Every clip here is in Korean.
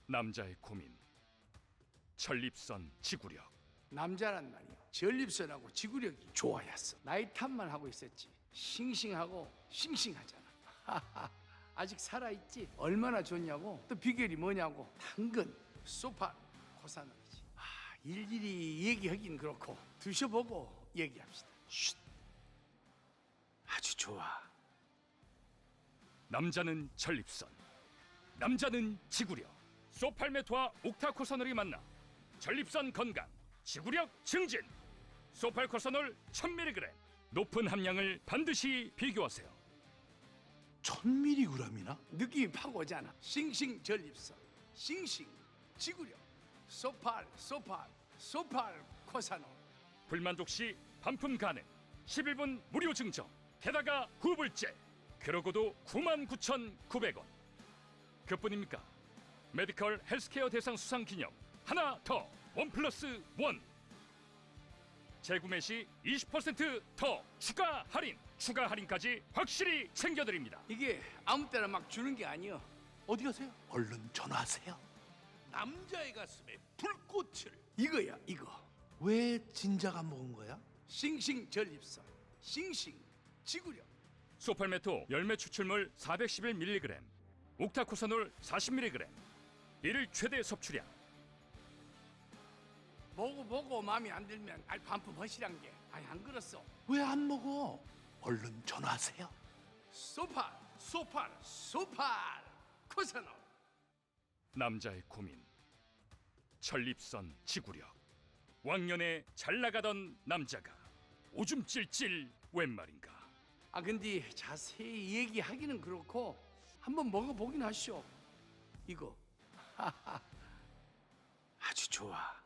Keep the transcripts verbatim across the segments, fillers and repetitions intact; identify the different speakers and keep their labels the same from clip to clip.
Speaker 1: 남자의 고민. 전립선 지구력.
Speaker 2: 남자란 말이야. 전립선하고 지구력이 좋아야 했어. 나이 탓만 하고 있었지. 싱싱하고 싱싱하잖아. 아직 살아있지? 얼마나 좋냐고. 또 비결이 뭐냐고. 당근, 소파, 코사놀이지. 아, 일일이 얘기하긴 그렇고 드셔보고 얘기합시다. 쉿. 아주 좋아.
Speaker 1: 남자는 전립선, 남자는 지구력. 소팔메토와 옥타코사놀이 만나 전립선 건강, 지구력 증진. 소팔코사놀 천 밀리그램. 높은 함량을 반드시 비교하세요.
Speaker 3: 천 밀리그램이나?
Speaker 2: 느낌이 팍 오잖아. 싱싱 전립선, 싱싱 지구력. 소팔, 소팔, 소팔 코사놀.
Speaker 1: 불만족 시 반품 가능. 십일 분 무료 증정. 게다가 후불제. 그러고도 구만 구천구백 원. 그뿐입니까? 메디컬 헬스케어 대상 수상 기념 하나 더 원 플러스 원. 재구매 시 이십 퍼센트 더 추가 할인. 추가 할인까지 확실히 챙겨드립니다.
Speaker 2: 이게 아무 때나 막 주는 게 아니여.
Speaker 3: 어디 가세요? 얼른 전화하세요.
Speaker 4: 남자의 가슴에 불꽃을.
Speaker 2: 이거야 이거.
Speaker 3: 왜 진작 안 먹은 거야?
Speaker 2: 싱싱 전립선, 싱싱 지구력.
Speaker 1: 소팔메토 열매 추출물 사백십일 밀리그램, 옥타코사놀 사십 밀리그램. 일일 최대 섭취량.
Speaker 2: 보고 보고 마음에 안 들면 알 반품 허시란 게. 아니 안 그렇소.
Speaker 3: 왜 안 먹어? 얼른 전화하세요.
Speaker 2: 소팔, 소팔, 소팔 코사놀.
Speaker 1: 남자의 고민. 전립선 지구력. 왕년에 잘 나가던 남자가 오줌 찔찔 웬 말인가.
Speaker 2: 아 근데 자세히 얘기하기는 그렇고 한번 먹어보긴 하시오. 이거 아주 좋아.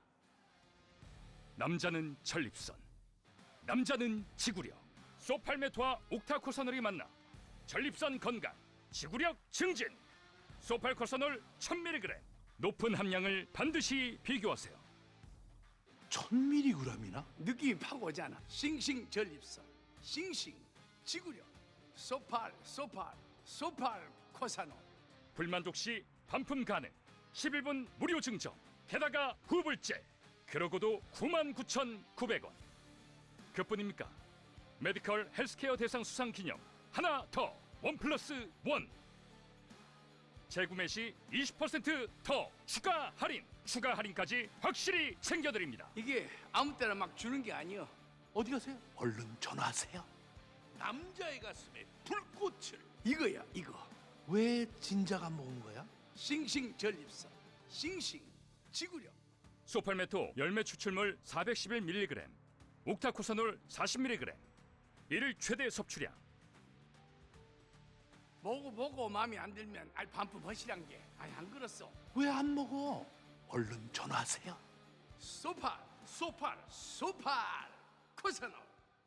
Speaker 1: 남자는 전립선, 남자는 지구력. 소팔메토와 옥타코사놀이 만나 전립선 건강, 지구력 증진. 소팔코사놀 천 밀리그램. 높은 함량을 반드시 비교하세요.
Speaker 3: 천 밀리그램이나?
Speaker 2: 느낌이 팍 오잖아. 싱싱 전립선, 싱싱 지구력. 소팔, 소팔, 소팔 코사놀.
Speaker 1: 불만족 시 반품 가능. 십일 분 무료 증정. 게다가 후불제. 그러고도 구만 구천구백 원. 그뿐입니까? 메디컬 헬스케어 대상 수상 기념 하나 더 원 플러스 원. 재구매 시 이십 퍼센트 더 추가 할인. 추가 할인까지 확실히 챙겨드립니다.
Speaker 2: 이게 아무 때나 막 주는 게 아니여.
Speaker 3: 어디 가세요? 얼른 전화하세요.
Speaker 4: 남자의 가슴에 불꽃을.
Speaker 2: 이거야 이거.
Speaker 3: 왜 진작 안 먹은 거야?
Speaker 2: 싱싱 전립선, 싱싱 지구력.
Speaker 1: 소팔메토 열매 추출물 사백십일 밀리그램, 옥타코사놀 사십 밀리그램. 일일 최대 섭취량.
Speaker 2: 보고 보고 마음에 안 들면 알 반품 허시란 게. 아니 안 그렇소.
Speaker 3: 왜 안 먹어? 얼른 전화하세요.
Speaker 2: 소팔, 소팔, 소팔 코사놀.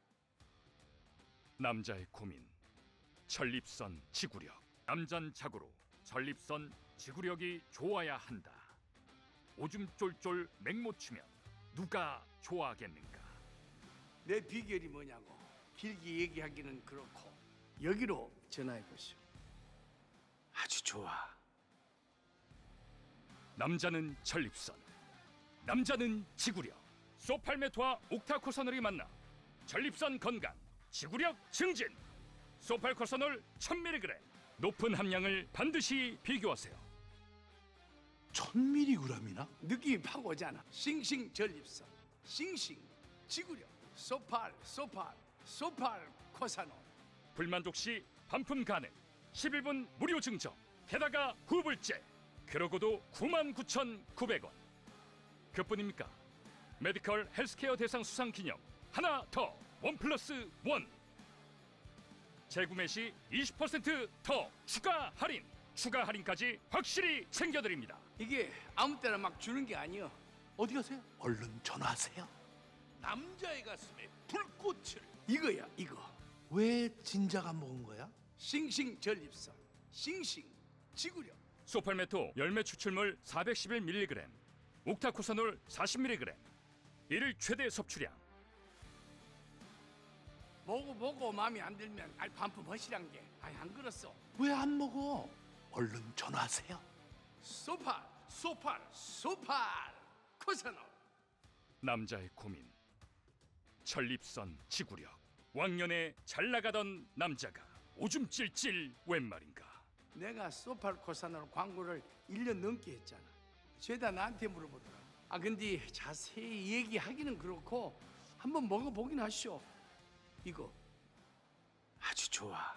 Speaker 1: 남자의 고민. 전립선 지구력. 남잔 자고로 전립선 지구력이 좋아야 한다. 오줌 쫄쫄 맹못 치면 누가 좋아하겠는가.
Speaker 2: 내 비결이 뭐냐고 길게 얘기하기는 그렇고 여기로 전화해 보시오. 아주 좋아.
Speaker 1: 남자는 전립선, 남자는 지구력. 소팔메토와 옥타코사놀이 만나 전립선 건강, 지구력 증진. 소팔코사놀 천 밀리그램. 높은 함량을 반드시 비교하세요.
Speaker 3: 천 밀리그램이나?
Speaker 2: 느낌이 팍 오잖아. 싱싱 전립선, 싱싱 지구력. 소팔, 소팔, 소팔 코사놀.
Speaker 1: 불만족 시 반품 가능. 십일 분 무료 증정. 게다가 후불제. 그러고도 구만 구천구백 원. 그뿐입니까? 메디컬 헬스케어 대상 수상 기념 하나 더 원 플러스 원. 재구매 시 이십 퍼센트 더 추가 할인. 추가 할인까지 확실히 챙겨드립니다.
Speaker 2: 이게 아무 때나 막 주는 게 아니여.
Speaker 3: 어디 가세요? 얼른 전화하세요.
Speaker 4: 남자의 가슴에 불꽃을.
Speaker 2: 이거야 이거.
Speaker 3: 왜 진작 안 먹은 거야?
Speaker 2: 싱싱 전립선, 싱싱 지구력.
Speaker 1: 소팔메토 열매 추출물 사백십일 밀리그램, 옥타코사놀 사십 밀리그램. 일일 최대 섭취량.
Speaker 2: 보고 보고 마음에 안 들면 알 반품 허시란 게. 아니 안 그렇소.
Speaker 3: 왜 안 먹어? 얼른 전화하세요.
Speaker 2: 소팔
Speaker 4: 소팔
Speaker 2: 소팔 코사놀.
Speaker 1: 남자의 고민. 전립선 지구력. 왕년에 잘 나가던 남자가 오줌 찔찔 웬 말인가.
Speaker 2: 내가 소팔 코사놀 광고를 일 년 넘게 했잖아. 죄다 나한테 물어보더라. 아 근데 자세히 얘기하기는 그렇고 한번 먹어보긴 하시오. 이거 아주 좋아.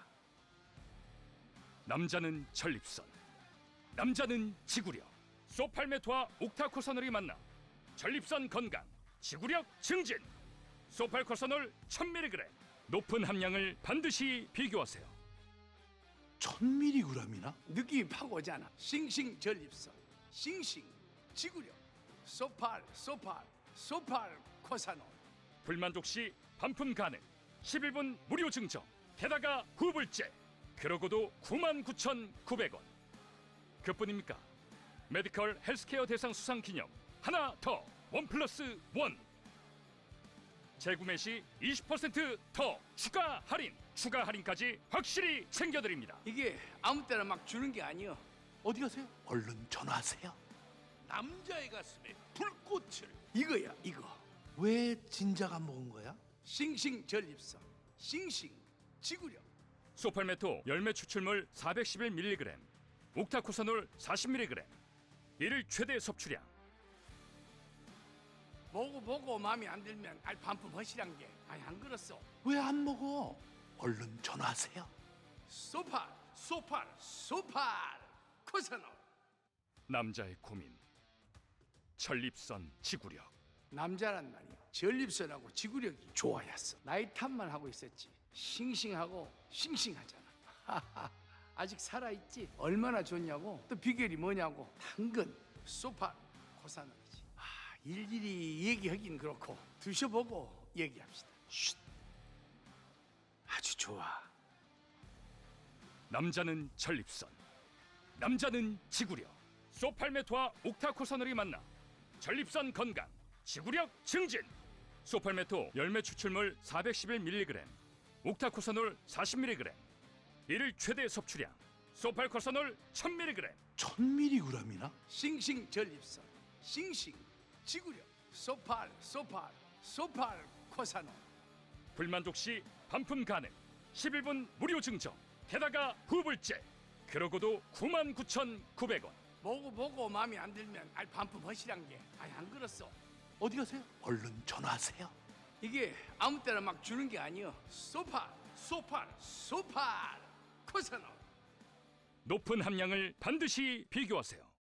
Speaker 1: 남자는 전립선, 남자는 지구력. 소팔메토와 옥타코사놀이 만나 전립선 건강, 지구력 증진. 소팔코사놀 천 밀리그램. 높은 함량을 반드시 비교하세요.
Speaker 3: 천 밀리그램이나?
Speaker 2: 느낌이 팍 오잖아. 싱싱 전립선, 싱싱 지구력, 소팔 소팔 소팔 코사놀.
Speaker 1: 불만족 시 반품 가능. 십일 분 무료 증정. 게다가 후불제. 그러고도 구만 구천구백 원. 그뿐입니까? 메디컬 헬스케어 대상 수상 기념 하나 더 원 플러스 원. 재구매 시 이십 퍼센트 더 추가 할인. 추가 할인까지 확실히 챙겨드립니다.
Speaker 2: 이게 아무 때나 막 주는 게 아니여.
Speaker 3: 어디 가세요? 얼른 전화하세요.
Speaker 4: 남자의 가슴에 불꽃을
Speaker 2: 이거야 이거.
Speaker 3: 왜 진작 안 먹은 거야?
Speaker 2: 싱싱 전립선, 싱싱 지구력.
Speaker 1: 소팔메토 열매 추출물 사백십일 밀리그램, 옥타코사놀 사십 밀리그램. 일일 최대 섭취량.
Speaker 2: 보고 보고 마음에 안 들면 알 반품 허시란 게 아니 안 그렇소.
Speaker 3: 왜 안 먹어? 얼른 전화하세요.
Speaker 2: 소팔
Speaker 4: 소팔
Speaker 2: 소팔 코사놀.
Speaker 1: 남자의 고민. 전립선 지구력.
Speaker 2: 남자란 말이야. 전립선하고 지구력이 좋아야 했어. 나이 탓만 하고 있었지. 싱싱하고 싱싱하잖아. 아직 살아있지? 얼마나 좋냐고. 또 비결이 뭐냐고. 당근, 소팔, 코사놀이지. 아, 일일이 얘기하긴 그렇고 드셔보고 얘기합시다. 쉿. 아주 좋아.
Speaker 1: 남자는 전립선, 남자는 지구력. 소팔메토와 옥타코사놀이 만나 전립선 건강, 지구력 증진. 소팔메토 열매 추출물 사백십일 밀리그램, 옥타코사놀 사십 밀리그램. 일일 최대 섭취량. 소팔코사놀 천 밀리그램.
Speaker 3: 천 밀리그램이나?
Speaker 2: 싱싱 전립선, 싱싱 지구력, 소팔, 소팔, 소팔 코사놀.
Speaker 1: 불만족 시 반품 가능. 십일 분 무료 증정. 게다가 후불제. 그러고도 구만 구천구백 원.
Speaker 2: 보고 보고 마음에 안 들면 알 반품 허시란 게 아니 안 그렇소.
Speaker 3: 어디 가세요? 얼른 전화하세요.
Speaker 2: 이게 아무 때나 막 주는 게 아니여. 소팔
Speaker 4: 소팔
Speaker 2: 소팔 코사놀.
Speaker 1: 높은 함량을 반드시 비교하세요.